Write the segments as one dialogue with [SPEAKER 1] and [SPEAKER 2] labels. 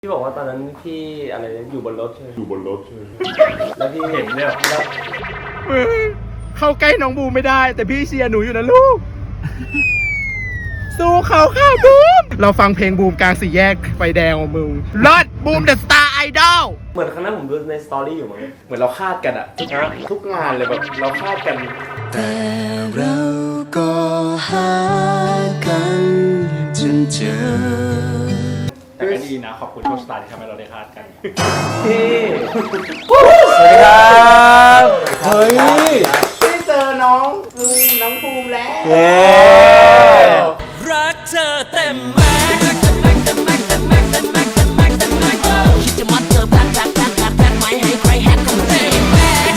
[SPEAKER 1] พี่บอกว่าตอนนั้นพี่อะไรอยู่บนรถใช่ไหมแล้วพี่
[SPEAKER 2] เห็นเนี่ย
[SPEAKER 3] เข้าใกล้น้องบูมไม่ได้ แต่พี่เชียร์หนูอยู่นะลูก สู้เขาค่ะบูม เราฟังเพลงบูมกลางสี่แยกไฟแดงของมึงเลิศบูมเดอะสตาร์ไอดอล
[SPEAKER 1] เหมือนครั้งนั้นผมดูในสตอรี่อยู่มั้ง
[SPEAKER 2] เหมือนเราคาดกันอะทุกงานเลยแบบเราคาดกัน
[SPEAKER 4] แต่เราก็หากันจนเจอ
[SPEAKER 2] แต่ก็ดีนะขอบคุณโชคชะตาที่ทำให้เราได้คาดกัน
[SPEAKER 1] พี่
[SPEAKER 2] สวัสดีครับเฮ้ย
[SPEAKER 3] ได้เจอน้องภูมิแล้ว
[SPEAKER 4] รักเธอเต็มแม็กซ์คิดจะมัดเธอแพ็คไม่ให้ใครแฮกของเต็มแม็กซ์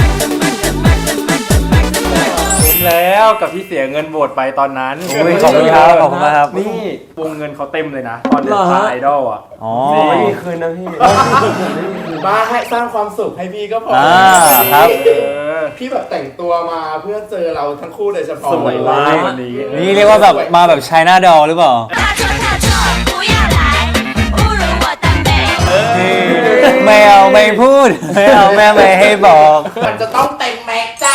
[SPEAKER 2] คุ้มแล้วกับที่เสียเงินโหวตไปตอนนั้น
[SPEAKER 5] ขอบคุณครับขอบคุณมากครับ
[SPEAKER 2] นี่วงเงินเขาเต็มเลยนะ ตอนเดินสายไอดอลอ่ะ
[SPEAKER 5] อ๋อ
[SPEAKER 1] ไม่มีคืนนะพี่
[SPEAKER 3] บ้าให้สร้างความสุขให้พี่ก็พอ
[SPEAKER 5] ครับ
[SPEAKER 3] พี่แบบแต่งตัวมาเพื่อเจอเราทั้งคู่โดยเฉพาะ
[SPEAKER 2] สวยมากวันนี้
[SPEAKER 5] นี่เรียกว่าแบบมาแบบไชน่าดอลหรือเปล่าไม่เอาไม่พูด ไม่เอาแม่ไม่ให้บอก
[SPEAKER 3] มันจะต้องเต็มแม็กซ์จ้า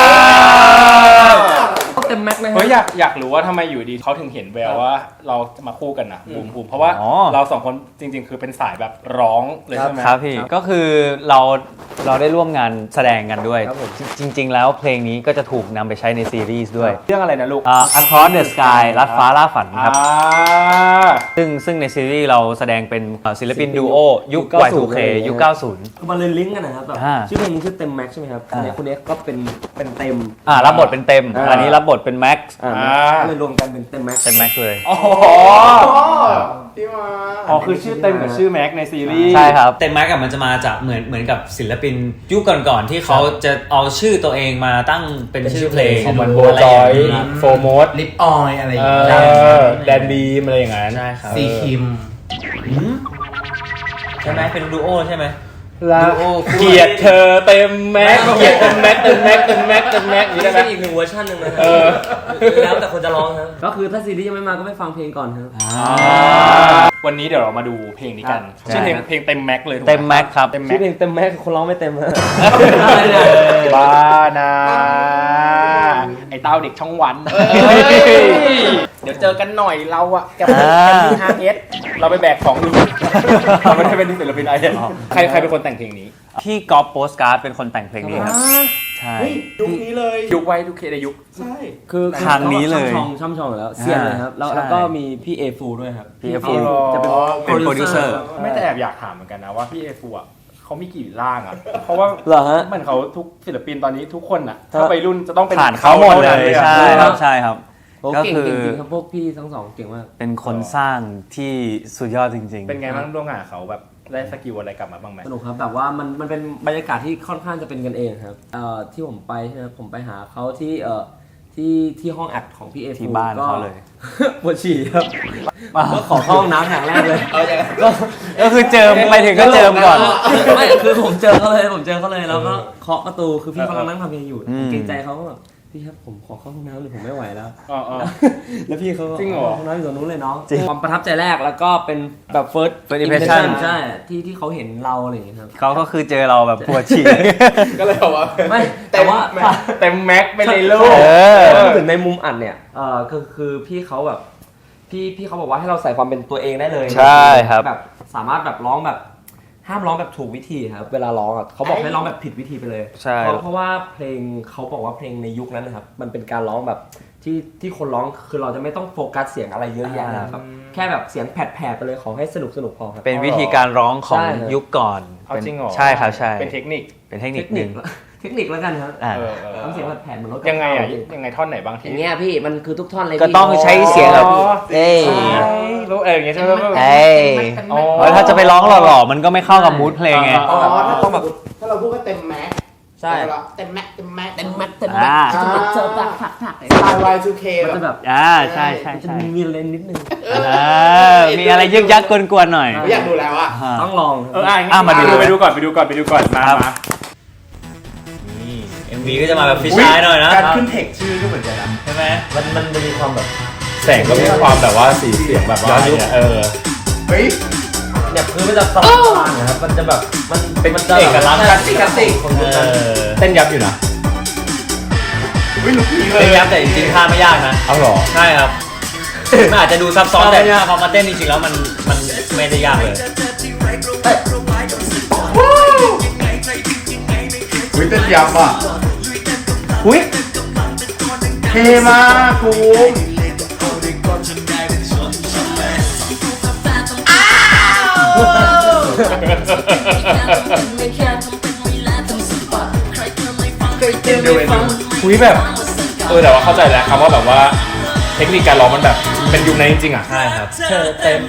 [SPEAKER 1] เต็มแม็กซ์นะ
[SPEAKER 2] เฮ้ยอยากรู้ว่าทำไมอยู่ดีเขาถึงเห็นแววว่าเราจะมาคู่กันนะบูมเพราะว่า
[SPEAKER 5] อ๋อ
[SPEAKER 2] เราสองคนจริง ๆ คือเป็นสายแบบร้องเลยใช่ไหม
[SPEAKER 5] ครับพี่ก็คือเราได้ร่วมงานแสดงกันด้วย จริง ๆ แล้วเพลงนี้ก็จะถูกนำไปใช้ในซีรีส์ด้วย
[SPEAKER 2] เรื่องอะไรนะลูก
[SPEAKER 5] Across the Sky ลัดฟ้าล่าฝันครับ
[SPEAKER 2] อ่า
[SPEAKER 5] ซึ่งในซีรีส์เราแสดงเป็นศิลปินดูโอยุค Y2K ยุค 90
[SPEAKER 1] คือมันเลยลิงก์กันนะครับแบบ
[SPEAKER 5] อ่า
[SPEAKER 1] ชื่อเพลงนี้ชื่อเต็มแม็กซ์ใช่ไหมครับอันนี้คุณเอ็กซ์ก็เป็นเต็ม
[SPEAKER 5] รับบทเป็นเต็ม อันนี้รับบทเป็นแม็กซ์
[SPEAKER 1] ก็เลยรวมกันเป็นเต็มแม็กซ์
[SPEAKER 5] เต็มแม็กซ์เลย
[SPEAKER 2] อ๋อ
[SPEAKER 3] พี่มา
[SPEAKER 2] อ๋อคือชื่อเต็มกับชื่อแม็กในซีรีส์
[SPEAKER 5] ใช่ครับ
[SPEAKER 6] เต็มแม็กกับมันจะมาจากเหมือนกับศิลปินยุคก่อนๆที่เขาจะเอาชื่อตัวเองมาตั้งเป็นชื่อเพลง
[SPEAKER 2] ของมันโบจอยโฟโมส
[SPEAKER 3] ลิปออยอะไรอย่างเงี้ย
[SPEAKER 2] แดนบีมอะไรอย่างนั้น
[SPEAKER 6] ใช่ครับ
[SPEAKER 3] ซีคิม
[SPEAKER 6] ใช่ไหมเป็นดูโอใช่ไหม
[SPEAKER 2] เกลียดเธอเต็มแม็กเกลียดเต็มแม็กเต็มแม็กเต็มแม็กเต็มแม็กอย่างนี้ได้ไหม
[SPEAKER 1] อีกหนึ่งเวอร์ชันหนึ่งนะ
[SPEAKER 6] แล้วแต่คนจะร้องครับ
[SPEAKER 1] ก็คือถ้าซีรีส์ยังไม่มาก็ไปฟังเพลงก่อนครับ
[SPEAKER 2] วันนี้เดี๋ยวเรามาดูเพลงนี้กัน
[SPEAKER 5] ใช่
[SPEAKER 2] ชื่อเพลงเต็มแม็กเลยถูกไห
[SPEAKER 5] เต็มแม็กซ์ครับ
[SPEAKER 2] เต็มแม็
[SPEAKER 1] ชื่อก เพลงเต็มแม็กซ์คนร้องไม่เต็มฮะ
[SPEAKER 2] บ้านะไอ้เต้าเด็กช่องวันเดี๋ยวเจอกันหน่อยเราอะกับแคนดี้ฮาร์เอสเราไปแบกของอยู่เราไม่ได้เป็นศิลปินไอเอสใครเป็นคนแต่งเพลงนี้
[SPEAKER 5] พี่ก๊อฟโปสการ์ดเป็นคนแต่งเพลงนี้ครับ ใช่
[SPEAKER 3] ยุคนี้เลย
[SPEAKER 2] ยุคไว้ทุกเคในยุค
[SPEAKER 3] ใช่
[SPEAKER 1] คือ
[SPEAKER 5] ทางนี้เลย
[SPEAKER 1] ช่ำชองอยู่แล้วเสียงเลยครับแล้ว
[SPEAKER 5] ใช่
[SPEAKER 1] แล้วก็มีพี่เอฟูด้วยครับ
[SPEAKER 5] พี่ A
[SPEAKER 1] ฟูจะเป็น
[SPEAKER 5] เป็นโปรดิวเซอร์
[SPEAKER 2] ไม่แต่แอบอยากถามเหมือนกันนะว่าพี่เอฟูอ่ะเขามีกี่ร่างอ่ะ เพราะว่า
[SPEAKER 1] เหรอฮะ
[SPEAKER 2] มันเขาทุกศิลปินตอนนี้ทุกคนอ่ะถ้าไปรุ่นจะต้องเป็น
[SPEAKER 5] ผ่านเขาหมดเลย
[SPEAKER 2] ท่า
[SPEAKER 5] ใช่
[SPEAKER 2] นั้น
[SPEAKER 5] ครับใช่ครับ
[SPEAKER 1] โอ้
[SPEAKER 5] ก็
[SPEAKER 1] เก่ง
[SPEAKER 5] คือ
[SPEAKER 1] จริงๆครับพวกพี่ทั้งสองเก่งมาก
[SPEAKER 5] เป็นคนสร้างที่สุดยอดจริง
[SPEAKER 2] เป็นไงบ้างร่วมงานกับเขาแบบได้สกิลอะไรกลับมาบ้างไหม
[SPEAKER 1] สนุกครับแบบว่ามันเป็นบรรยากาศที่ค่อนข้างจะเป็นกันเองครับที่ผมไปใช่ไหมผมไปหาเขาที่ห้องอัดของพี่เอฟู
[SPEAKER 5] ที่บ้านเขาเลย
[SPEAKER 1] ปวดฉี่ครับก็ขอเข้าห้องน้ำอย่างแรกเลย
[SPEAKER 5] ก็คือเจิมไปถึงก็เจิมก่อน
[SPEAKER 1] ไม่คือผมเจอเขาเลยแล้วก็เคาะประตูคือพี่กำลังนั่งทำเพลงอยู่
[SPEAKER 5] อืม
[SPEAKER 1] เกรงใจเขาก็แบบพี่ครับผมขอเข้าห้องน้ำหรือผมไม่ไหวแล้ว
[SPEAKER 2] อ๋อ
[SPEAKER 1] แล้วพี่เขาก็
[SPEAKER 2] จริงเหรอ
[SPEAKER 1] ห้องน้ำอยู่ตรงนู้นเลยเนาะ
[SPEAKER 5] จริง
[SPEAKER 1] ความประทับใจแรกแล้วก็เป็นแบบ first
[SPEAKER 5] impression
[SPEAKER 1] ใช่ที่เขาเห็นเราอะไรอย่างเงี้ยครับ
[SPEAKER 5] เขาก็คือเจอเราแบบปวดฉี่
[SPEAKER 3] ก็เลยบอกว่า
[SPEAKER 1] ไม่แต่ว่า
[SPEAKER 2] เต็มแม็กไปเลยลูก
[SPEAKER 5] เออ
[SPEAKER 1] พูดถึงในมุมอัดเนี่ยคือพี่เขาแบบพี่เขาบอกว่าให้เราใส่ความเป็นตัวเองได้เลย
[SPEAKER 5] ใช่ครับ
[SPEAKER 1] แบบสามารถแบบร้องแบบห้ามร้องแบบถูกวิธีครับเวลาร้องอ่ะเขาบอกให้ร้องแบบผิดวิธีไปเลย
[SPEAKER 5] ใช่
[SPEAKER 1] เพราะว่าเพลงเขาบอกว่าเพลงในยุคนั้นนะครับมันเป็นการร้องแบบที่คนร้องคือเราจะไม่ต้องโฟกัสเสียงอะไรเยอะแยะนะครับแค่แบบเสียงแผดๆไปเลยขอให้สนุกพอครับ
[SPEAKER 5] เป็นวิธีการร้องของ
[SPEAKER 1] ใช่ครับ
[SPEAKER 5] ยุคก่อน
[SPEAKER 2] เอาจริงเหรอ
[SPEAKER 5] ใช่ครับใช่
[SPEAKER 2] เป็นเทคนิค
[SPEAKER 5] เป็นเทคนิ
[SPEAKER 1] เท
[SPEAKER 5] ค
[SPEAKER 1] ค
[SPEAKER 5] ห
[SPEAKER 1] นิ
[SPEAKER 5] นึ่
[SPEAKER 1] ค
[SPEAKER 5] ง
[SPEAKER 1] เทคนิคแล้วกันครับ ทำเสียงแผดๆเหมือนรถ
[SPEAKER 2] ยังไงอ่ะยังไงท่อนไหนบ้าง
[SPEAKER 1] อ
[SPEAKER 2] ที่
[SPEAKER 1] ย่างเงี้ยพี่มันคือทุกท่อนเลย
[SPEAKER 5] ก็ต้องใช้เสียงแบบ
[SPEAKER 1] เอ้ย
[SPEAKER 2] รู้อย่างเงี้ยใช่ไหม
[SPEAKER 5] เอ้ยถ้าจะไปร้องหล่อๆมันก็ไม่เข้ากับมูดเพลงไง
[SPEAKER 3] อ๋อถ้าแบบถ้าเราพูดว่าเต็มแม็กซ์
[SPEAKER 1] ใช่
[SPEAKER 3] เต็มแม็กซ์เต็มแม็กซ์
[SPEAKER 1] เต็มแม็ก
[SPEAKER 5] อ่า
[SPEAKER 3] สไตล์ Y2K
[SPEAKER 1] มัน
[SPEAKER 3] แบ
[SPEAKER 1] จะ
[SPEAKER 3] บ
[SPEAKER 1] แบบ
[SPEAKER 5] ใช่
[SPEAKER 1] มันจะมีเลนนิดนึง
[SPEAKER 5] มีอะไรยึกยักกวนๆหน่อย
[SPEAKER 3] อยากดูแล้วอ่ะ
[SPEAKER 1] ต้องลอง
[SPEAKER 5] มาดู
[SPEAKER 2] ไปดูก่อนมา
[SPEAKER 6] MV ก็จะมาแบบฟิชชายหน่อยนะ
[SPEAKER 3] การขึ้นเทคชื่อก็เหมือนกันนะ
[SPEAKER 6] ใช่ไหม
[SPEAKER 1] มันจะมีความแบบ
[SPEAKER 2] แสงก็มีความแบบว่าสีเสียงแบบว่าเนี่ย
[SPEAKER 3] เฮ้ย
[SPEAKER 1] เนี่ยพื้นมันจะสว่างนะครับมันจะแบบมัน
[SPEAKER 2] เป็น
[SPEAKER 1] มันจะ
[SPEAKER 2] เอกลักษณ์
[SPEAKER 1] คลาสสิกของยุคนั้น
[SPEAKER 2] เต้นยับอยู่นะ
[SPEAKER 3] อุ้ยลุกนี้เล
[SPEAKER 5] เป็
[SPEAKER 3] ย
[SPEAKER 5] นยับแต่จริงๆท่าไม่ยากนะ
[SPEAKER 2] เอาหรอ
[SPEAKER 5] ใช่ครับมันอาจจะดูซับซ้อนแต่พอมาเต้นจริงๆแล้วมันไม่ได้ยากเลย
[SPEAKER 3] อุ้ยเต้นยับอ่ะอุ้ยเท่มากภูมิ
[SPEAKER 2] คุยแบบแต่ว่าเข้าใจแล้วคำว่าแบบว่าเทคนิคการร้องมันแบบเป็นยุคนั้นจริงๆอ่ะ
[SPEAKER 5] ใช่ครับ
[SPEAKER 1] เธอเต็ม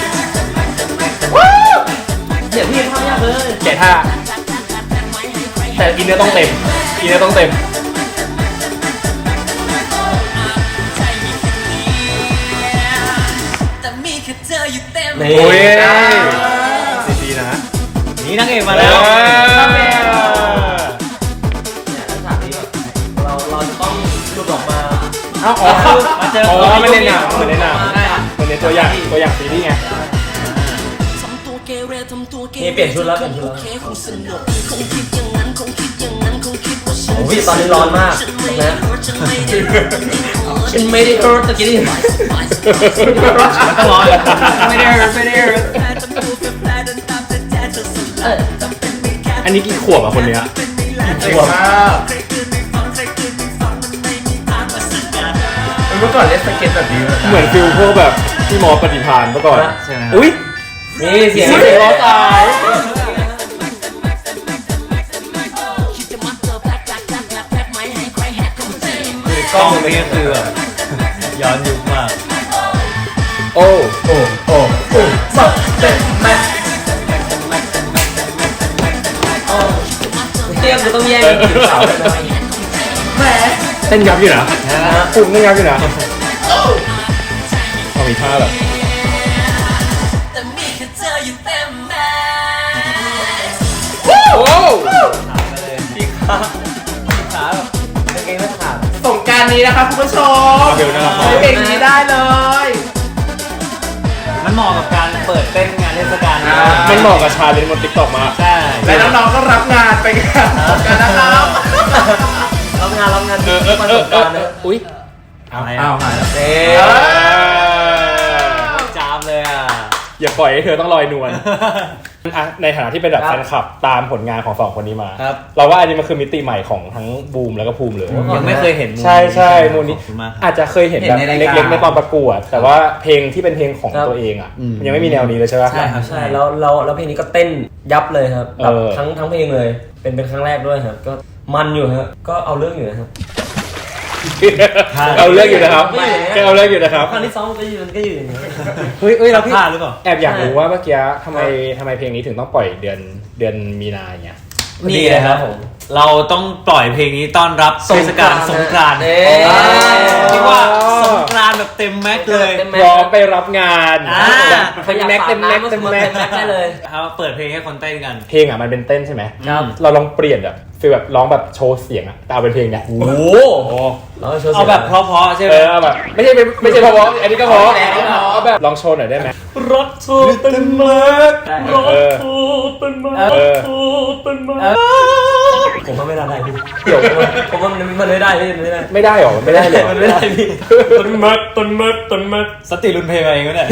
[SPEAKER 1] เดี๋ยวพี่ทำยากเลย
[SPEAKER 2] แกะท่าแต่อินเนอร์ต้องเต็มอินเนอร์ต้องเต็ม
[SPEAKER 1] นี่
[SPEAKER 2] โอ้ยดีนะ
[SPEAKER 5] นี่นางเอกมาแล้ว
[SPEAKER 1] เราจะต้องหลุดออกมา
[SPEAKER 2] อ๋อ
[SPEAKER 5] มาเจอ
[SPEAKER 2] ไม่เล่นหนังเหมือนในหนังเหมือนในตัวอย่างซีรีส์ไง
[SPEAKER 1] นี่เปลี่ยนชุดแล้วเปลี่ยนชุดแล้วโอ้ยตอนนี้ร้อนมากนะฉันไม่ได้เฮิร์ตตะกี้นี่
[SPEAKER 5] มันต้องร้อนไม่ได้
[SPEAKER 2] อันนี้กี่ขวบอ่ะคนเนี้ย
[SPEAKER 3] เจ๋งมากเมื่อก่อนเล่นสเก็ตแบบนี้
[SPEAKER 2] เหมือนฟิลพวกแบบพี่มอสปฏิภาณเมื่อก่อน
[SPEAKER 5] ใช่ไหม
[SPEAKER 2] อุ้ย
[SPEAKER 1] นี่เสียง
[SPEAKER 2] เสียงร้องตาย
[SPEAKER 5] กล้องนี้ก็คือแบบย้อนยุคมาก
[SPEAKER 2] โอ้
[SPEAKER 1] สับเต็มแม็กเตรียมจะต้องแย่งกันจีบสาวเลยนะแหม
[SPEAKER 2] เต้นยับอยู่นะปุ่มเต้นยับอยู่นะพอมีท่าแบบ โอ้
[SPEAKER 1] ขาแบบกางเกงไม่ขาด
[SPEAKER 3] สงกรารนี้นะคะคุณผู้ชม
[SPEAKER 2] เบลนะครับ
[SPEAKER 3] ใช้เพลงนี้ได้เลย
[SPEAKER 5] มันเหมาะกับการเปิดเต้นงานเทศกาล
[SPEAKER 2] มันเหมาะกับชาเลนจ์บนติ๊กต็อกมาก
[SPEAKER 5] ใช่
[SPEAKER 3] และน้องๆก็รับงานไปกันสงกรารนะครับ
[SPEAKER 1] รับงานประสบการณ์นะ
[SPEAKER 2] อุ้ย
[SPEAKER 5] อะไร
[SPEAKER 3] อ้าวหายแล้ว
[SPEAKER 5] เอ๊จามเลยอ่ะ
[SPEAKER 2] อย่าปล่อยให้เธอต้องลอยนวลอ่ะในฐานะที่เป็นแบบแฟนคลับตามผลงานของสองคนนี้มา
[SPEAKER 5] ครับ
[SPEAKER 2] เราว่าอันนี้มันคือมิติใหม่ของทั้งบูมแล้วก็ภูมิเลย
[SPEAKER 5] ยังไม่เคยเห็นมุม
[SPEAKER 2] ใช่มูลนี้
[SPEAKER 5] ขอบคุณมากครับ
[SPEAKER 2] อาจจะเคยเห็นแบบเล็กๆในตอนประกวด แต่ว่าเพลงที่เป็นเพลงของตัวเองอ่ะมันยังไม่มีแนวนี้เลยใช่ไหม
[SPEAKER 5] ใช่ครับ
[SPEAKER 1] ใช่แล้วเพลงนี้ก็เต้นยับเลยครับแบบ
[SPEAKER 2] เออ
[SPEAKER 1] ทั้งเพลงเลยเป็นครั้งแรกด้วยครับก็มันอยู่ครับก็เอาเรื่องอยู่นะครับ
[SPEAKER 2] เอาเรื่องอยู่นะครับก็เอาเรื่องอยู่นะครับ
[SPEAKER 1] ครั้งที่สองก็อยู่อย่างนี้
[SPEAKER 2] เฮ้ยเราพี่
[SPEAKER 5] พลาดหรือเปล่า
[SPEAKER 2] แอบอยากรู้ว่าเมื่อกี้ทำไมเพลงนี้ถึงต้องปล่อยเดือนมีนาอย่างเงี้ย
[SPEAKER 5] นี่เลยครับผมเราต้องปล่อยเพลงนี้ต้อนรับเทศกาลสงกรานต์
[SPEAKER 1] เอ๊ะ
[SPEAKER 5] เรียกว่าสงกรานต์แบบเต็มแม็กซ์เลย
[SPEAKER 2] พร้อมไปรับงาน
[SPEAKER 1] ใครอยาก
[SPEAKER 2] แม็ก
[SPEAKER 1] ฝาก
[SPEAKER 2] เต็มแม็ก
[SPEAKER 1] น้ำ
[SPEAKER 2] เต็ม
[SPEAKER 1] มา
[SPEAKER 2] แม็ก
[SPEAKER 1] เต็มแม็กได้เลย
[SPEAKER 5] ครับเปิดเพลงให้คนเต้นกัน
[SPEAKER 2] เพลงอ่ะมันเป็นเต้นใช่ไหม
[SPEAKER 1] ครับ
[SPEAKER 2] เราลองเปลี่ยนแบบฟีลแบบร้องแบบโชว์เสียงอ่ะแต่เอาเป็นเพลงเนี้ย
[SPEAKER 1] โอ้โหแล้วก็โชว์
[SPEAKER 5] เอาแบบเพราะๆใช่ไหม
[SPEAKER 2] เอาแบบไม่ใช่เพราะอันนี้ก็เพราะเอาแบบลองโชว์หน่อยได้ไหม
[SPEAKER 1] รถทูเต็มแม็กรถ
[SPEAKER 2] เออ
[SPEAKER 1] ทูเต็มแม็ก
[SPEAKER 2] เออ
[SPEAKER 1] ทูเต็มแม็กผมว่าไม่ได้พี่เดี๋ยวผมว่ามันไม่ได้พี่มันไม่ได้
[SPEAKER 2] ไม่ได้หรอไม่ได้เลย
[SPEAKER 1] มันไม่ได้พี่ต้นแม็กต้นแม็กต้นแม็ก
[SPEAKER 5] สติรุนเพลงมาเองก็ได้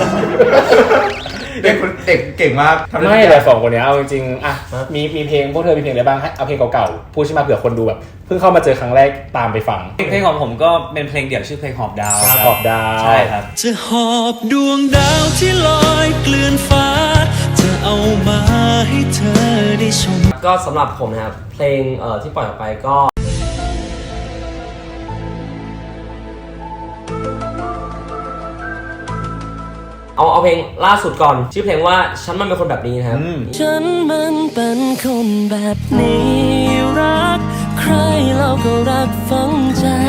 [SPEAKER 3] เด็กเก่งมากทำได้
[SPEAKER 2] ไม่
[SPEAKER 3] ทุกอ
[SPEAKER 2] แต่
[SPEAKER 3] ย่าง
[SPEAKER 2] สองคนเนี้ยเอาจริงๆอ่ะมีเพลงพวกเธอมีเพลงอะไรบ้างให้เอาเพลงเก่าๆพูดใช่ไหมเผื่อคนดูแบบเพิ่งเข้ามาเจอครั้งแรกตามไปฟัง
[SPEAKER 5] เพลงของผมก็เป็นเพลงเดี่ยวชื่อเพลงหอบดาวครับ
[SPEAKER 2] ขอบดาว
[SPEAKER 5] ใช่ครับ
[SPEAKER 4] จะหอบดวงดาวที่ลอยเกลื่อนฟ้า จะเอามาให้เธอได้ชม
[SPEAKER 1] ก็สำหรับผมนะครับเพลงที่ปล่อยออกไปก็เอาเพลงล่าสุดก่อนชื่อเพลงว่าฉันมันเป็นคนแบบนี้นะครับ
[SPEAKER 4] ฉันมันเป็นคนแบบนี้รัก ใครเราก็รักฝังใจ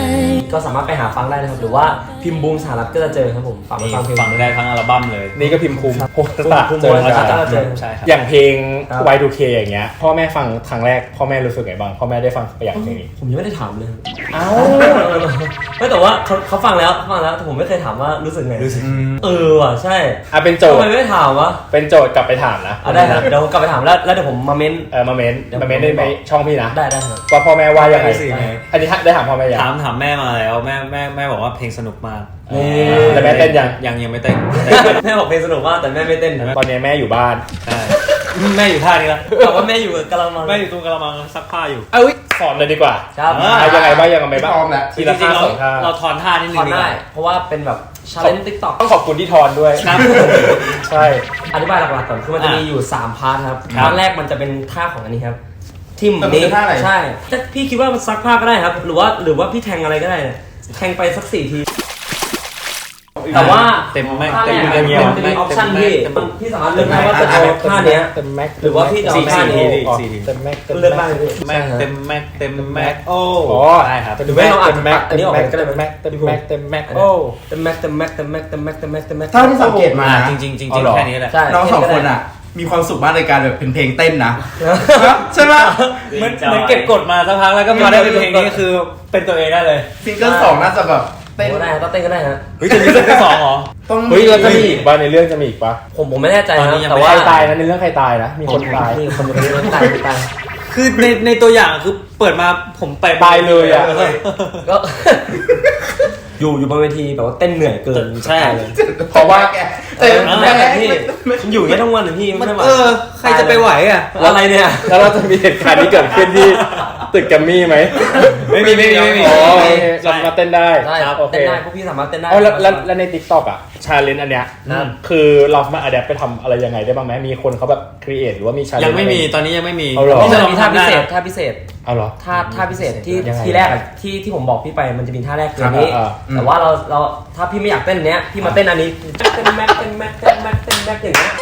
[SPEAKER 1] ก็สามารถไปหาฟังได้นะครับหรือว่าพิมพ์บูมสหรัฐก็จะเจอครับผมฝากไป
[SPEAKER 6] นี่
[SPEAKER 1] ฟังเพลง
[SPEAKER 6] ฟังได้ทั้งอัลบั้มเลย
[SPEAKER 2] นี่ก็พิมพ์ภูมิโพสต์ตา
[SPEAKER 1] ภูมิ
[SPEAKER 2] เจอ
[SPEAKER 1] ภูมิ
[SPEAKER 2] แล้ว
[SPEAKER 1] ก็เจอ
[SPEAKER 6] ใช่ครับ
[SPEAKER 2] อย่างเพลง
[SPEAKER 1] ครับ
[SPEAKER 2] Y2K อย่างเงี้ยพ่อแม่ฟังครั้งแรกพ่อแม่รู้สึกไงบ้างพ่อแม่ได้ฟังตัวอย่างเพลงนี้
[SPEAKER 1] ผมยังไม่ได้ถามเลยครับ
[SPEAKER 2] เอ้า
[SPEAKER 1] ไม่แต่ว่าเขาฟังแล้วแต่ผมไม่เคยถามว่ารู้สึกไงว่ะใช่
[SPEAKER 2] เป็นโจ
[SPEAKER 1] ทำ
[SPEAKER 2] ท
[SPEAKER 1] ไม
[SPEAKER 2] ย์
[SPEAKER 1] ไม่ได้ถามวะ
[SPEAKER 2] เป็นโจทย์กลับไปถามนะ
[SPEAKER 1] ได้ครับเดี๋ยวผมกลับไปถามแล้วเดี๋ยวผมมาเม้น
[SPEAKER 2] มาเม้นได้ในช่องพี่นะ
[SPEAKER 1] ได้ครับ
[SPEAKER 2] ว่าพ่อแม่ว่ายังไง
[SPEAKER 6] รู้สึกไง
[SPEAKER 2] อันนี้ได้ถามพ่อแม่ยัง
[SPEAKER 6] ถามแม่มาแล้วแม่บอกว่าเพลงสนุกมาก
[SPEAKER 2] แต่แม่เต้นยัง
[SPEAKER 6] ยังไม่เต้น
[SPEAKER 1] แม่บอกเพลงสนุกมากแต่แม่ไม่เต้น
[SPEAKER 2] ตอนนี้แม่อยู่บ้าน
[SPEAKER 6] ใช่แม่อยู่ท่านี้ละ
[SPEAKER 1] แต่ว่าแม่อยู่กับกะละมัง
[SPEAKER 6] แม่อยู่ตรงกระมังซักผ้าอยู่
[SPEAKER 2] เอ้ยสอนเลยดีกว่า
[SPEAKER 1] ครับ
[SPEAKER 2] ยังไงบ้างยังไงบ้าง
[SPEAKER 3] พร้อมแล้ว
[SPEAKER 2] ทีละ
[SPEAKER 6] จริ
[SPEAKER 2] ท่าง
[SPEAKER 6] ๆ
[SPEAKER 2] สองท่า
[SPEAKER 6] เราถอนท่านิดนึ
[SPEAKER 1] ถอน
[SPEAKER 6] งดีก
[SPEAKER 1] ได้
[SPEAKER 6] ว่า
[SPEAKER 1] เพราะว่าเป็นแบบชาเลนจ์ติ๊กต็อก
[SPEAKER 2] ต้องขอบคุณที่ทอนด้วย
[SPEAKER 6] ครับ
[SPEAKER 2] ใช่
[SPEAKER 1] อธิบายหลักๆก่อนคือมันจะมีอยู่3พาร์ทครับ
[SPEAKER 6] ครับ
[SPEAKER 1] พาร์ทแรกมันจะเป็นท่าของอันนี้ครับทิม
[SPEAKER 3] มัน
[SPEAKER 1] นี้
[SPEAKER 3] เป็นท่าไหน
[SPEAKER 1] ใช่ถ้าพี่คิดว่ามันซักผ้าก็ได้ครับ หรือว่าพี่แทงอะไรก็ได้เนี่ยแทงไปสัก4 ที แต่ว่า
[SPEAKER 6] เต็มแม็ก
[SPEAKER 1] ท่าแร
[SPEAKER 6] เต็ม
[SPEAKER 1] ก
[SPEAKER 6] เต็ม
[SPEAKER 1] มันจะมีออปชั่นพี่สามารถเลือกได้ว่าจะเอาท่าเนี้ย
[SPEAKER 2] เต็มแม็ก
[SPEAKER 1] หรือว่าพี่จะเอาท่านี้
[SPEAKER 2] เต็มแม็ก
[SPEAKER 1] เลือกได้เลย
[SPEAKER 6] แม็กเต็มแม็กเต็มแม็กโอ้
[SPEAKER 2] อ๋อ
[SPEAKER 6] ได้ครับ
[SPEAKER 1] หรือไม่เราอาจจะ
[SPEAKER 2] แม็ก
[SPEAKER 1] อันนี้ออกไปก็ได้
[SPEAKER 2] เต็มแม็กเต็มแม็กเต็มแม็ก
[SPEAKER 1] โอ้
[SPEAKER 2] โอ้
[SPEAKER 1] เต็มแม็กเต็มแม็กเต็มแม็กเต็มแม็กเต็มแม็กเต็มแม็ก
[SPEAKER 3] เท่าที่สังเกตมา
[SPEAKER 6] จริงๆ
[SPEAKER 3] เอาเหรอ
[SPEAKER 6] แค่นี้แหละ
[SPEAKER 1] ใช่
[SPEAKER 3] น้องสองคนอ่ะ มีความสุขมากในการแบบเป็นเพลงเต้นนะ ใช่ไหม
[SPEAKER 6] เหมือนเก็บกดมาสักพักแล้วก็มาได้เป็นเพลงนี้คือเป็นตัวเองได้เลย
[SPEAKER 3] ซิงเกิลสองน่าจะแบบเต้น
[SPEAKER 1] ก็ได้ต้องเต้นก็ได้ฮะ
[SPEAKER 6] เฮ้ยจะมีซิงเกิลสองเหรอ
[SPEAKER 3] ต้อง
[SPEAKER 2] เฮ้ยเราจะมีอีกป่ะในเรื่องจะมีอีกป่ะ
[SPEAKER 1] ผมไม่แน่ใจ
[SPEAKER 6] ตอน
[SPEAKER 1] นะ
[SPEAKER 6] นี้ยัง
[SPEAKER 1] แต่
[SPEAKER 6] ไม่
[SPEAKER 1] ว่า
[SPEAKER 2] ใครตายนะในเรื่องใครตายนะมีคนตาย
[SPEAKER 1] มีคนตายตาย
[SPEAKER 6] คือในตัวอย่างคือเปิดมาผมไป
[SPEAKER 2] ตายเลยอะ
[SPEAKER 1] ก็ อยู่บนเวทีแบบว่าเต้นเหนื่อยเกิน
[SPEAKER 6] ใช่
[SPEAKER 1] เลย
[SPEAKER 2] เพราะว่า
[SPEAKER 3] เต้น
[SPEAKER 1] แม่พี่มันอยู่อย่างนี้ทั้งวันเลยพี่ไม่ไหว
[SPEAKER 6] ใครจะไปไหวอ่ะ
[SPEAKER 1] อะไรเนี่ย
[SPEAKER 2] แล้วเราจะมีเหตุการณ์นี้เกิดขึ้นที่ตึกแกรมมี่ไหม
[SPEAKER 6] ไม่มี
[SPEAKER 2] อ๋อโอเคเรามาเต้นได้
[SPEAKER 1] ได้ครับ
[SPEAKER 2] โอเค
[SPEAKER 1] เต้นได้พวกพี่สามารถเต้นได้
[SPEAKER 2] เอาแล้วใน TikTok อ่ะชาเลนจ์อันเนี้ย
[SPEAKER 1] ครับ
[SPEAKER 2] คือเราสามารถอัดแอปไปทำอะไรยังไงได้บ้างไหมมีคนเขาแบบครีเอทหรือว่ามีชาเลนจ์
[SPEAKER 6] ยังไม่มีตอนนี้ยังไม่มี
[SPEAKER 2] เอาเหรอ
[SPEAKER 1] นี่มันมีท่าพิเศษท่าพิเศษ
[SPEAKER 2] เอาเหรอ
[SPEAKER 1] ท่าพิเศษที่
[SPEAKER 2] ยังไง
[SPEAKER 1] ที่แรกอะที่ผมบอกพี่ไปมันจะมีท่าแรกคืออันนี้
[SPEAKER 2] อ่า
[SPEAKER 1] แต่ว่าเราถ้าพี่ไม่อยากเต้นเนี้ยพี่มาเต้นอันนี้เต้นแม็กเต้นแม็กเต้นแม็กเต้นแม็กอย่างเงี้ย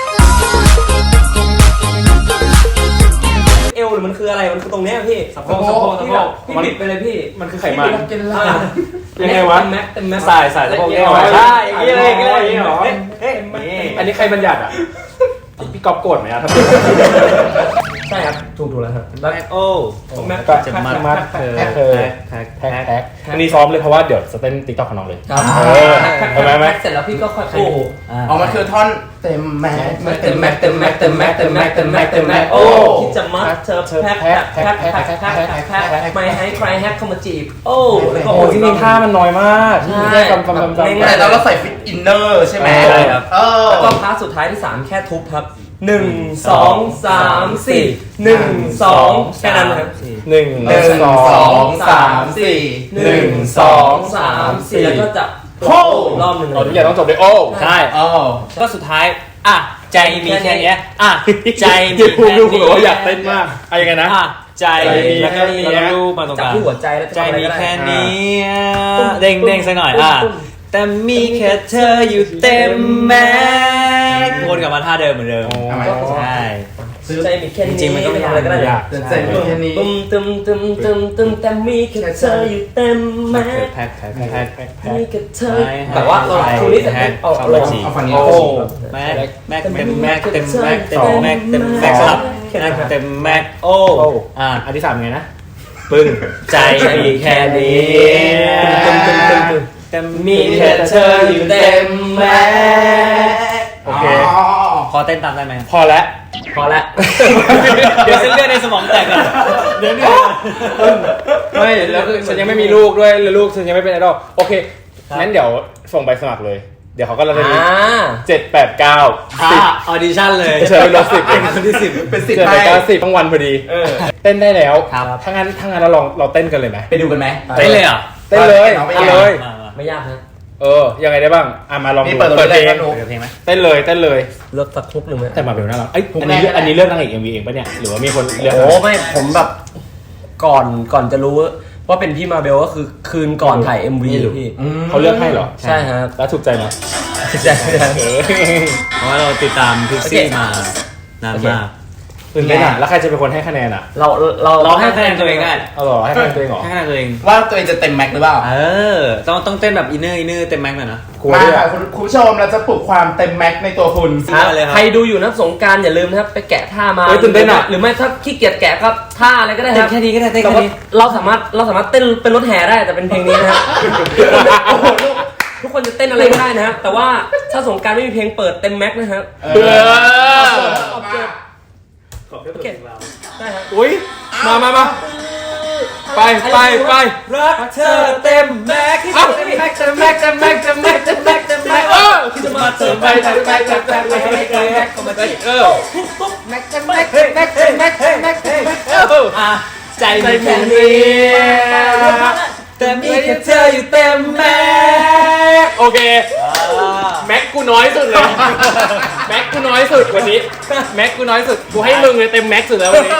[SPEAKER 1] เอวหรือมันคืออะไรมันคือตรงเนี้ยพี่สะโพกพี่บิดไปเลยพี่
[SPEAKER 2] มันคือไขมัน
[SPEAKER 1] ยังไงวะแม็กเต็มแม็ก
[SPEAKER 2] สายสะโพก
[SPEAKER 1] ใช่
[SPEAKER 2] ใช่
[SPEAKER 1] อย่างนี้เลยอย่างนี้เลย
[SPEAKER 2] อันนี้ใครบัญญัติอ่ะพี่ก๊อฟโกรธไหมอ่ะ
[SPEAKER 1] ใช่ครับถูกแล้วครับแล้ว
[SPEAKER 6] แม็กโอ้
[SPEAKER 1] แม็ก
[SPEAKER 2] ก็จะมัดเธอแพ็คอันนี้ซ้อมเลยเพราะว่าเดี๋ยวจะเต้นติ๊กต็อกของน้องเลย
[SPEAKER 1] ครับ
[SPEAKER 2] ทำไมไหม
[SPEAKER 1] เสร็จแล้วพี่ก็ค่อยโอ้
[SPEAKER 3] อ๋อมันคือท่อนเต็มแม็ก
[SPEAKER 1] เต็มแม็กเต็มแม็กเต็มแม็กเต็มแม็กเต็มแม็กเต็มแม็กโอ้คิดจะมัดเธอแพ็คไม่ให้ใครแฮกเข้ามาจีบโอ้แล้วก็
[SPEAKER 2] โอ้ที่นี่ท่ามันน้อยมาก
[SPEAKER 1] ใช่
[SPEAKER 2] แค่จำ
[SPEAKER 3] แต่เราใส่ฟิตอินเนอร์ใช่ไหม
[SPEAKER 2] ใช่ครับ
[SPEAKER 1] แล้วก็พาร์ทสุดท้ายที่3แค่ทุบครับ1 2 3 4 1 2แค่นั้นครับ
[SPEAKER 2] หนึ่ง
[SPEAKER 1] 1 2 3 4แล้วก็จะโค้รอบหนึ่ง
[SPEAKER 2] เราทุกอย่างต้องจบด้วยโอ้
[SPEAKER 6] ใช่
[SPEAKER 3] อ๋อ
[SPEAKER 6] ก็สุดท้ายอ่ะใจมีแค่เนี้ยอ่ะใจมี
[SPEAKER 2] เดี๋ยว
[SPEAKER 6] แค่
[SPEAKER 2] ดู
[SPEAKER 6] นี้
[SPEAKER 2] บอกว่าอยากเต้นมากอะไรยังไงนะ
[SPEAKER 6] อ่ะใจ
[SPEAKER 2] แล้วก็มี
[SPEAKER 6] แล้วก็รูปมาตรง
[SPEAKER 1] จับ
[SPEAKER 6] กลาง
[SPEAKER 1] ที่หัวใจแล้ว
[SPEAKER 6] ใจมีแค่นี้
[SPEAKER 1] ตุ้ม
[SPEAKER 6] เด้งเด้งสักหน่อยอ่ะแต่มีแค่เธออยู่เต็มแม็กซ์วนกลับมาท่าเดิมเหมือนเดิม
[SPEAKER 3] ทำไม
[SPEAKER 6] ใช่
[SPEAKER 1] ใจมีแค่นี้
[SPEAKER 6] จริงๆมันก็ไม่
[SPEAKER 1] ทำอะไรก็ได้
[SPEAKER 2] ยาก
[SPEAKER 3] ใจมีแค่นี้
[SPEAKER 1] ตึมแต่มีแค่เธออยู่เต็มแม็ก
[SPEAKER 6] แพ็คมีแค่
[SPEAKER 1] มีแค่เธอแต่ว่าเราชูนี้เสร็จปุ๊บเอาลง
[SPEAKER 3] เอาฝั่งนี้
[SPEAKER 2] โอ้
[SPEAKER 6] แม็กเต็มแม็กเต็มแม็กเต็มแม็กเต็มแม็กสลับเต็มแม็กโอ้อ่ะ
[SPEAKER 2] อันที่3ไงนะ
[SPEAKER 6] ปึ้งใจมีแค่นี้แต่มีแค่เธออยู่เต็มแม็ก
[SPEAKER 2] โอเค
[SPEAKER 6] พอเต้นตามได้ไหม
[SPEAKER 2] พอแล้ว
[SPEAKER 1] พอละ
[SPEAKER 6] เดี๋ยวเส้นเลือดในสมองแตกก่อนเดี๋ยว
[SPEAKER 2] ไม่แล้วคือฉันยังไม่มีลูกด้วยแล้วลูกฉันยังไม่เป็นไอดอลโอเคงั้นเดี๋ยวส่งใบสมัครเลย เดี๋ยวเขาก็จะมี7-8-9
[SPEAKER 6] ออดิชั่นเลย
[SPEAKER 2] เชิญรถ10
[SPEAKER 6] คนที่10
[SPEAKER 3] เป็นสิท
[SPEAKER 2] 7
[SPEAKER 3] ธิ์ให้
[SPEAKER 2] 8 9 10ทั้งวันพอดีเต้นได้แล้ว
[SPEAKER 6] ครับ
[SPEAKER 2] ถ้างั้นเราเต้นกันเลยไหม
[SPEAKER 3] ไปดูกันไหม
[SPEAKER 6] เต้นเลยอ่ะ
[SPEAKER 2] เต้นเลย
[SPEAKER 3] เอาไป
[SPEAKER 2] เต้นเลย
[SPEAKER 1] ไม่ยากนะ
[SPEAKER 2] ยังไงได้บ้างมาลอง
[SPEAKER 3] นี่
[SPEAKER 2] ดู
[SPEAKER 3] เปิดตัว
[SPEAKER 2] เพลง
[SPEAKER 3] ได้ไหม
[SPEAKER 6] เดี๋ยวเพลงไหม
[SPEAKER 2] เต้นเลย
[SPEAKER 1] เลือกสักทุกหนึ่งไหม
[SPEAKER 2] แต่มาเบลน่ารักอันนี้เลือกนางเอก MV เองปะเนี่ยหรือว่ามีคนเลือก
[SPEAKER 1] โอ้ไม่ผมแบบก่อนจะรู้ว่าเป็นพี่มาเบลก็คือคืนก่อนถ่าย MV พี่
[SPEAKER 2] เขาเลือกให้เหรอ
[SPEAKER 1] ใช่ครับ
[SPEAKER 2] แล้วถูกใจไหม
[SPEAKER 1] ใช่
[SPEAKER 6] เพราะว่าเราติดตามพิกซี่มานานมาก
[SPEAKER 2] ตื่นเต้นแล้วใครจะเป็นคนให้คะแนนอ่ะ
[SPEAKER 6] เราให้คะแนนตัวเองได้
[SPEAKER 2] เอาเหรอให้คะแนนตัวเองเหรอ
[SPEAKER 6] ให้คะแนนตัวเอง
[SPEAKER 3] ว่าตัวเองจะเต็มแม็กหรือเปล่า
[SPEAKER 6] ต้องเต้นแบบอินเนอร์เต็มแม็กซ์หน่อยนะ
[SPEAKER 3] มาค่ะคุณผู้ชมเราจะปลุกความเต็มแม็กในตัวคุณ
[SPEAKER 6] เลยครับ
[SPEAKER 1] ใครดูอยู่นะสงกรารอย่าลืมนะครับไปแกะท่ามา
[SPEAKER 2] เฮ้ยตื่นเต้นอะ
[SPEAKER 1] หรือไม่ถ้าขี้เกียจแกะก็ท่าอะไรก็ได้ครับ
[SPEAKER 6] แค่นี้ก็ได้เต้น
[SPEAKER 1] แต่
[SPEAKER 6] แค่
[SPEAKER 1] ว่า
[SPEAKER 6] นี้
[SPEAKER 1] เราสามารถเต้นเป็นรถแห่ได้แต่เป็นเพลงนี้นะฮะทุกคนจะเต้นอะไรก็ได้นะฮะแต่ว่าถ้าสงกรารไม่มีเพลงเปิดเต็มแม็กซ์นะครับ โอเคได้ครับ
[SPEAKER 2] อุ้ยมาไป
[SPEAKER 1] รักเธอเต็มแม็กซ์ที่เต็มแม็กซ์เต็มแม็กซ์เต็มแม็กซ์เต็มแม็กซ์เต็มแม็กซ์เต็มแม็กซ์ที่จะมาเติมไปเติมแม็กซ์เติมแม็กซ์เติมแม็กซ์เติมแม็กซ์เข้ามาจีแม็กซ์เต็มแม็กซ์เต็มแม็กซ์เต็มแม็กซ์เต็มแม็กซ์เต็มแม็กซ์ใจมีแค่นี้แต่มีแค่เธออยู่เต็มแม็กซ์
[SPEAKER 2] โอเคแม็กกูน้อยสุดเลยแม็กกูน้อยสุดวันนี้แม็กกูน้อยสุดกูให้มึงเลยเต็มแม็กสุดแล้ววันนี้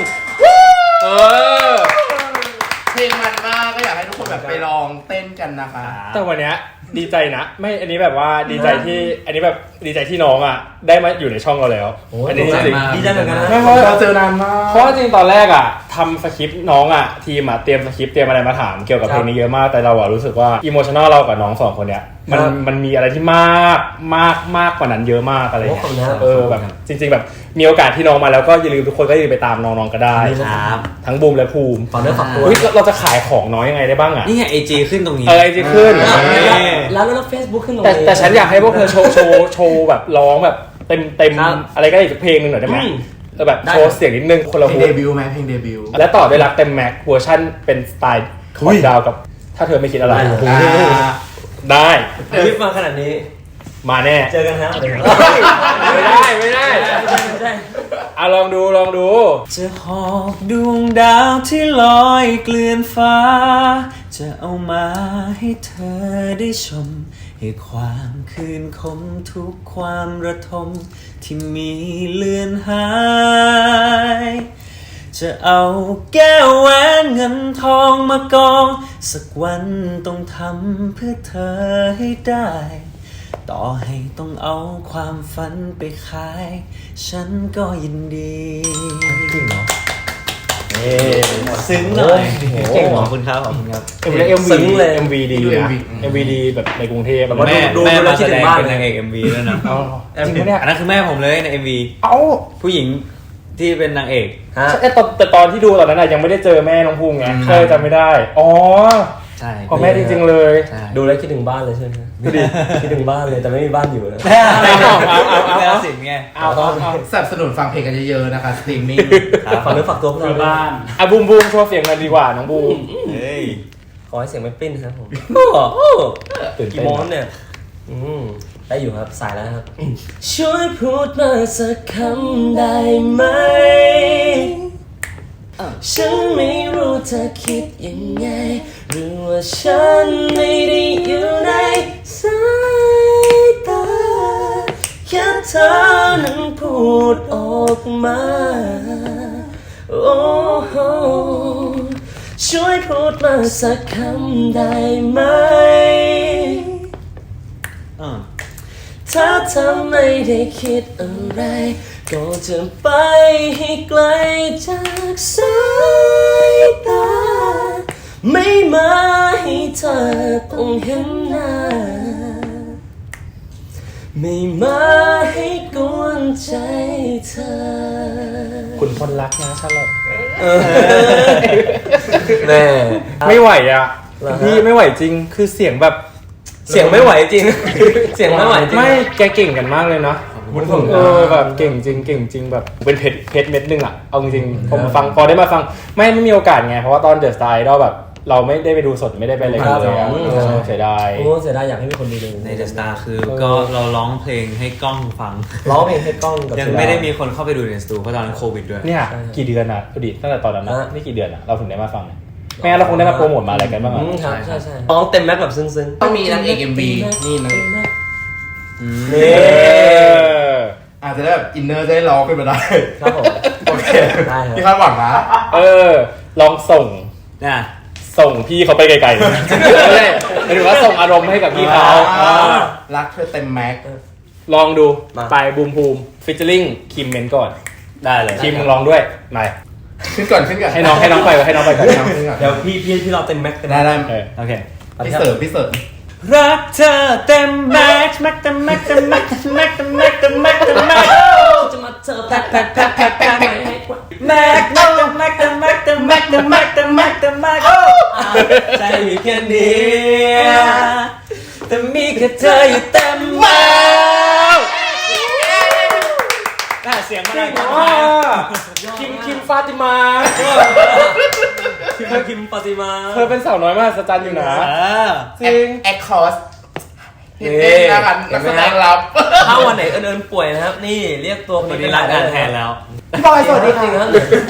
[SPEAKER 3] เพลงมันมากก็อยากให้ทุกคนแบบไปลองเต้นกันนะคะ
[SPEAKER 2] แต่วันเนี้ยดีใจนะไม่อันนี้แบบว่าดีใจที่อันนี้แบบดีใจที่น้องอ่ะได้มาอยู่ในช่องเราแล้วอันนี้จริง
[SPEAKER 1] ดีใจเหมือนกันนะ
[SPEAKER 2] ไม่เพราะ
[SPEAKER 3] เราเจอนานมาก
[SPEAKER 2] เพราะจริงตอนแรกอ่ะทำสคริปต์น้องอ่ะทีมอ่ะเตรียมสคริปต์เตรียมอะไรมาถามเกี่ยวกับเพลงนี้เยอะมากแต่เราอ่ะรู้สึกว่าอิโมชันอลเรากับน้องสองคนเนี้ยมันมีอะไรที่มากกว่านั้นเยอะมากอะไรเงี้ยแบบจริงๆแบบมีโอกาสที่น้องมาแล้วก็อย่าลืมทุกคนก็อย่าลืมไปตามน้องๆก็ได้
[SPEAKER 6] ครับ
[SPEAKER 2] ทั้งบูมและภูมิ
[SPEAKER 1] ฝากเนื้อฝากตัว
[SPEAKER 2] เฮ้ยเราจะขายของน้องยังไงได้บ้างอ่ะ
[SPEAKER 6] นี่ไง AG ขึ้นตรงนี้
[SPEAKER 2] อะไรจะขึ้น
[SPEAKER 1] แล้วเฟซบุ๊กขึ้นตรง
[SPEAKER 2] แต่
[SPEAKER 1] นี้
[SPEAKER 2] แต่ฉันอยากให้พวกเธอโชว์แบบร้องแบบเต็ม
[SPEAKER 1] ครับ
[SPEAKER 2] อะไรก็ได้อีกเพลงหนึ่งหน่อยได้ไหมแบบโชว์เสียงนิดนึงคนละ
[SPEAKER 3] เพล
[SPEAKER 2] ฮู
[SPEAKER 3] งเดบิวต์ไหมเพลงเดบิวต์
[SPEAKER 2] และต่อด้วยรักเต็มแม็กเวอร์ชั่นเป็นสไตล์ของดาวกับถ้าเธอไม่คิดอะไรได้
[SPEAKER 1] รีบมาขนาดนี้
[SPEAKER 2] มาแน่
[SPEAKER 1] เจอกันครับ
[SPEAKER 2] ไม่ได้
[SPEAKER 1] ไม่ใช่
[SPEAKER 2] อ่ะลองดู
[SPEAKER 6] จะหอบดวงดาวที่ลอยเกลื่อนฟ้า จะเอามาให้เธอได้ชม ให้ความคืนคมทุกความระทมที่มีเลือนหาย จะเอาแก้วแหวนเงินทองมากอง สักวันต้องทำเพื่อเธอให้ได้ ต่อให้ต้องเอาความฝันไปขาย ฉันก็ยินดีซึ้งหน่อยขอบคุณครับขอบคุณครับ
[SPEAKER 2] ซึ้งเลย MV ดีนะ MV ดีแบบในกรุงเทพแบบว่า
[SPEAKER 6] แม่มาแสดงเป็นนางเอก MV ด้วยนะ
[SPEAKER 2] จริงปะเนี่ย
[SPEAKER 6] อันนั้นคือแม่ผมเลยใน MV
[SPEAKER 2] เอ้า
[SPEAKER 6] ผู้หญิงที่เป็นนางเอก
[SPEAKER 2] แต่ตอนที่ดูตอนนั้นยังไม่ได้เจอแม่น้องภูมิไงก็เลยจำไม่ได้อ๋อ
[SPEAKER 6] ใช่
[SPEAKER 2] ของแม่จริงๆเลย
[SPEAKER 1] ดูแล้วคิดถึงบ้านเลยใช่ไหมคิดถึงบ้านเลยแต่ไม่มีบ้านอยู่นะ
[SPEAKER 6] แล้วสิไง
[SPEAKER 2] เอา
[SPEAKER 3] สนับสนุนฟังเพลงกันเยอะๆนะคะสตรีมมิ่ง
[SPEAKER 1] ฝากเนื้อฝากตัวพวกเราด้วย
[SPEAKER 2] อ่ะบูมโชว์เสียงกันดีกว่าน้องบูม
[SPEAKER 6] เฮ้ย
[SPEAKER 1] ขอให้เสียงไม่ปิ้นครับผม
[SPEAKER 2] ตื่นเต้น
[SPEAKER 1] กี่โมงเนี่ยได้อยู่ครับสายแล้วครับช่วยพูดมาสักคำได้ไหมฉันไม่รู้เธอคิดยังไงหรือว่าฉันไม่ได้อยู่ในสายตาแค่เธอนั้นพูดออกมาโอ้โหช่วยพูดมาสักคำได้ไหมถ้าเธอไม่ได้คิดอะไรก็จะไปให้ไกลจากสายตาไม่มาให้เธอต้องเห็นหน้าไม่มาให้กวนใจเธอ
[SPEAKER 2] คุณพลรักนะชาลอต
[SPEAKER 1] แม่
[SPEAKER 2] ไม่ไหวอ่ะพี่ไม่ไหวจริงคือเสียงแบบ
[SPEAKER 1] เสียงไม่ไหวจริง เสียงไม่ไหวจริง
[SPEAKER 2] ไม่แกเก่งกันมากเลยเนาะแบบเก่งจริงแบบเป็นเพชรเม็ดนึงอ่ะเอาจริงผมมาฟังพอได้มาฟังไม่มีโอกาสไงเพราะว่าตอนเดอะสไตล์เราแบบเราไม่ได้ไปดูสดไม่ได้ไปอะไรกันเลยเสียดาย
[SPEAKER 1] โอ้เสียดายอยากให้มีคนดูเลย
[SPEAKER 6] ใน The Star คือก็เราร้องเพลงให้กล้องฟัง
[SPEAKER 1] ร้องเพลงให้กล้องกับ
[SPEAKER 6] ยังไม่ได้มีคนเข้าไปดูในสตูเพราะตอนนั้นโควิดด้วย
[SPEAKER 2] เนี่ยกี่เดือนอ่ะพอดีตั้งแต่ตอนนั้นนะนี่กี่เดือนอ่ะเราถึงได้มาฟังแม่เราคงได้มาโปรโมทมาอะไรกันบ้างอ่ะ
[SPEAKER 1] ครับใช่ร้องเต็มแม็กแบบซึ้งๆ
[SPEAKER 3] ต้องมีนางเอก MV นี่นะ
[SPEAKER 1] นี่
[SPEAKER 3] อาจจะได้แบบอินเนอร์จะได้ร้องขึ้นมาได้
[SPEAKER 1] ครับผม
[SPEAKER 3] โอเค
[SPEAKER 1] ได้ครับ
[SPEAKER 3] พี่คาดหวังนะ
[SPEAKER 2] ลองส่ง
[SPEAKER 6] น่ะ
[SPEAKER 2] พี่เขาไปไกลๆไม่ใช่หมายถึงว่าส่งอารมณ์ให้กับพี่เขา
[SPEAKER 3] รักเธอเต็มแม็ก
[SPEAKER 2] ลองดูไปบูมภูมิฟิชเชอร์ลิงคิมเมนก่อน
[SPEAKER 5] ได้เลย
[SPEAKER 2] ทีมมึงลองด้วยมา
[SPEAKER 3] ขึ้นก่อน
[SPEAKER 2] ให้น้องไปก่อนให้น้องไปก่อน
[SPEAKER 1] เดี๋ยวพี่เราเต็มแม็กเต็ม
[SPEAKER 3] ได้
[SPEAKER 5] โอเค
[SPEAKER 3] พี่เสิร์ฟ
[SPEAKER 6] รักเธอเต็มแม็กซ์แม็กซ์เต็มแม็กซ์เต็มแม็กซ์เต็มแม็กซ์เต็มแม็กซ์เต็มแม็กซ์เต็มแม็กซ์
[SPEAKER 1] จะมาเจอแพ็คแพ็คแพ็คแพ็คแพ็คแพ็ค
[SPEAKER 6] แม็กซ์เต็มแม็กซ์เต็มแม็กซ์เต็มแม็กซ์เต็มแม็กซ์เต็มแม็กซ์เต็มแม็กซ์ใจมีแค่นี้แต่มีแค่เธออยู่เต็มแม็กซ์เสียงมันดัง
[SPEAKER 2] คิมฟาติมา
[SPEAKER 6] คิมปฏิมา
[SPEAKER 2] เธอเป็นสาวน้อยมากสัจจันอยู่นะจริง
[SPEAKER 3] แอคคอร์สเห็นนะครับนักแสดงรับ
[SPEAKER 1] ถ้าวันไหนเอิญป่วยนะครับนี่เรียกตัว
[SPEAKER 6] วันนี้รับงานแทนแล้ว
[SPEAKER 3] พี่บอยสวัสดี
[SPEAKER 1] จริงครับ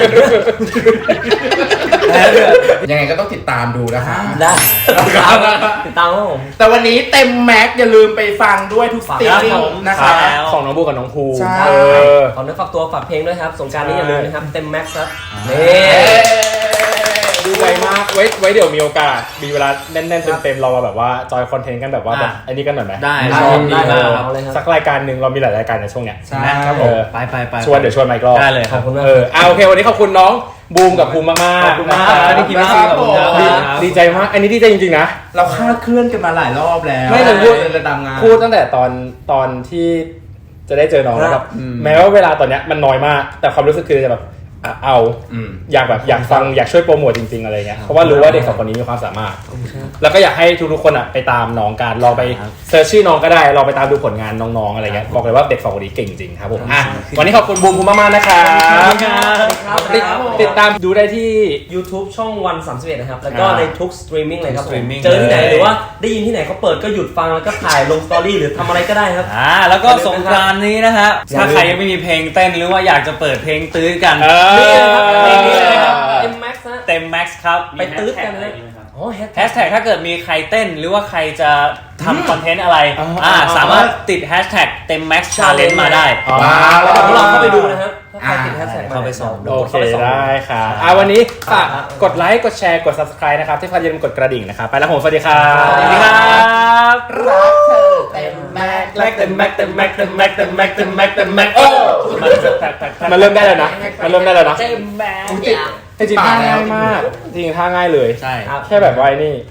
[SPEAKER 3] ยังไงก็ต้องติดตามดูนะคะ
[SPEAKER 1] ได้ติดตามครับผม
[SPEAKER 3] แต่วันนี้เต็มแม็กซ์อย่าลืมไปฟังด้วยทุกสตรีมมิ่งนะคะ
[SPEAKER 2] ของน้องบูกับน้องภู
[SPEAKER 3] ใช่
[SPEAKER 1] ขอเนื้อฝากตัวฝากเพลงด้วยครับสงกรารนี้อย่าลืมนะครับเต็มแม็กซ์ครับนี่
[SPEAKER 2] ดูไวมากไว้เดี๋ยวมีโอกาสมีเวลาแน่นๆเต็มๆเรามาแบบว่าจอยคอนเทนต์กันแบบว่าแบบอันนี้กันหน่อยไหม
[SPEAKER 5] ได้
[SPEAKER 1] ชอบดี
[SPEAKER 2] เอ
[SPEAKER 1] มาก
[SPEAKER 2] อ
[SPEAKER 1] เอาเลยครับ
[SPEAKER 2] สักรายการหนึ่งเรามีหลายรายการในช่วงเนี้ย
[SPEAKER 3] ใช่
[SPEAKER 5] ครับผมไป
[SPEAKER 2] เดี๋ยวชวนมาอีกรอบ
[SPEAKER 5] ได้เลย
[SPEAKER 1] ขอบคุณมาก
[SPEAKER 2] โอเควันนี้ขอบคุณน้องบูมกับภูมิมากๆ
[SPEAKER 5] ขอบคุณมาก
[SPEAKER 2] นะ
[SPEAKER 5] ที่กิน
[SPEAKER 3] ค
[SPEAKER 5] ข้า
[SPEAKER 3] รับ
[SPEAKER 5] วกับผม
[SPEAKER 3] ผม
[SPEAKER 2] ดีใจมากอันนี้ดีใจจริงๆนะ
[SPEAKER 3] เราคาดเคลื่อนกันมาหลายรอบแล้ว
[SPEAKER 2] ไม่แต่พูด
[SPEAKER 3] เลยตามงาน
[SPEAKER 2] พูดตั้งแต่ตอนที่จะได้เจอน้องแล้วแบบแม้ว่าเวลาตอนเนี้ยมันน้อยมาก แต่ความรู้สึกคือจะแบบเอาอยากแบบอยากฟังอยากช่วยโปรโมทจริงๆอะไรเงี้ยเพราะว่ารู้ว่าเด็กสองคนนี้มีความสามารถ แล้วก็อยากให้ทุกๆคนไปตามน้องกันลองไปเซิร์ชชื่อน้องก็ได้ลองไปตามดูผลงานน้องๆอะไรเงี้ยบอกเลยว่าเด็กสองคนนี้เก่งจริงครับผมวันนี้ขอบคุณบูมมากๆนะครับติดตามดูได้ที่
[SPEAKER 1] YouTube ช่องวัน31นะครับแล้วก็ในทุกสตรีมมิ่งเลยครับผม
[SPEAKER 5] streaming
[SPEAKER 1] เจอที่ไหนหรือว่าได้ยินที่ไหนเขาเปิดก็หยุดฟังแล้วก็ถ่ายลงสตอรี่หรือทำอะไรก็ได้ครับ
[SPEAKER 5] แล้วก็สงกรานต์นี้นะฮะถ้าใครยังไม่มีเพลงเต้นหรือว่าอยากจะเปิดเพลงตื้อกัน
[SPEAKER 1] นี่นะครับเพลงนี้เลยครับเต็มแม็กซ์นะ
[SPEAKER 5] เต็มแม็กซ์ครับ
[SPEAKER 1] ไปตื้อกันเลยอ๋อแฮช
[SPEAKER 5] แฮชแท็กถ้าเกิดมีใครเต้นหรือว่าใครจะทำคอนเทนต์อะไรสามารถติดแฮชแท็กเต็มแม็กซ์ชาเลนจ์มาได้
[SPEAKER 1] แล้วเดี๋ยวเราเข้าไปดูนะครับถ้าใครติดแฮชแท็ก
[SPEAKER 5] เข้าไปส่อง
[SPEAKER 2] โอเคได้ครับวันนี้ฝากกดไลค์กดแชร์กด subscribe นะครับที่พาอย่าลืมกดกระดิ่งนะครับไปแล้วผมสวัสดีครับ
[SPEAKER 5] สวัสดีครับ
[SPEAKER 3] รักเธอเต็มแม็กซ์
[SPEAKER 5] เต็มแม็กซ์เต็มแม็กซ์เต็มแม็กซ์เต็มแม็กซ์เต็มแม็กซ์เต็มแม็กซ์
[SPEAKER 2] มันเริ่มได้แล้วนะมันเริ่มได้แล้วนะ
[SPEAKER 1] เต็มแม็กซ์
[SPEAKER 2] จริงๆท่าง่ายมากจริงๆท่าง่ายเลย
[SPEAKER 5] ใช่
[SPEAKER 2] แค่แบบว่าไอ้นี่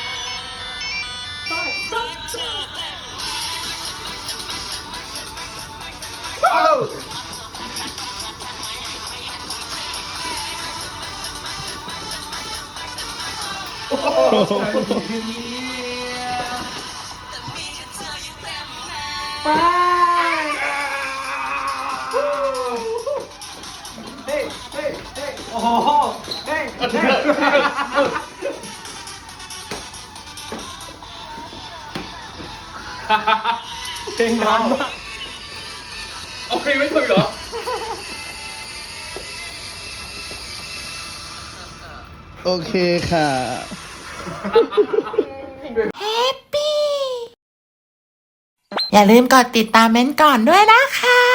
[SPEAKER 2] เพลงมันมากเอาเพลงไม่ถูกเหรอ
[SPEAKER 7] โอเคค่ะ
[SPEAKER 8] อย่าลืมกดติดตามเม้นท์ก่อนด้วยนะคะ